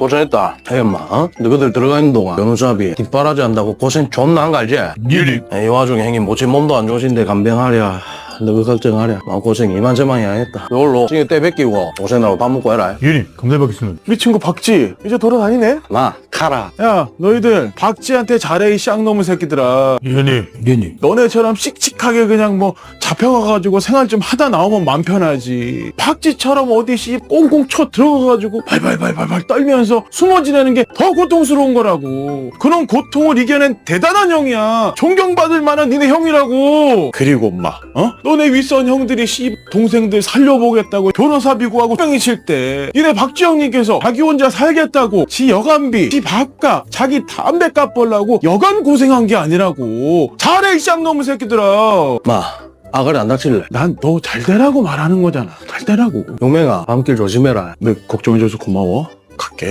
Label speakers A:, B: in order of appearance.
A: 고생했다. 에이, 엄마, 너희들 들어가 있는 동안 변호사비 뒷바라지 한다고 고생 존나 한 거 알지?
B: 예니.
A: 이 와중에 형님 모친 몸도 안 좋으신데 간병하랴. 너희 걱정하랴. 고생 이만저만이 아니었다. 이걸로 찡에 때 뺏기고 고생하고 밥 먹고 해라.
B: 예니. 감사합겠습니다.
C: 우리 친구 박지 이제 돌아다니네?
A: 마, 카라.
C: 야 너희들 박지한테 잘해 이 쌍놈의 새끼들아.
B: 예니. 예니.
C: 너네처럼 씩씩하게 그냥 뭐 잡혀가가지고 생활 좀 하다 나오면 맘 편하지. 박지처럼 어디 씨 꽁꽁 쳐 들어가가지고 발발발발발 떨면서 숨어 지내는 게 더 고통스러운 거라고. 그런 고통을 이겨낸 대단한 형이야. 존경받을 만한 니네 형이라고. 그리고 엄마 너네 윗선 형들이 씨 동생들 살려보겠다고 변호사비 구하고 병이 칠 때 니네 박지 형님께서 자기 혼자 살겠다고 지 여간비, 지 밥값, 자기 담배값 벌라고 여간 고생한 게 아니라고. 잘해 이 쌍놈의 새끼들아.
A: 마, 아가리 안 다칠래?
C: 난 너 잘 되라고 말하는 거잖아. 잘 되라고.
A: 용맹아, 밤길 조심해라.
C: 너 걱정해줘서 고마워. 갈게.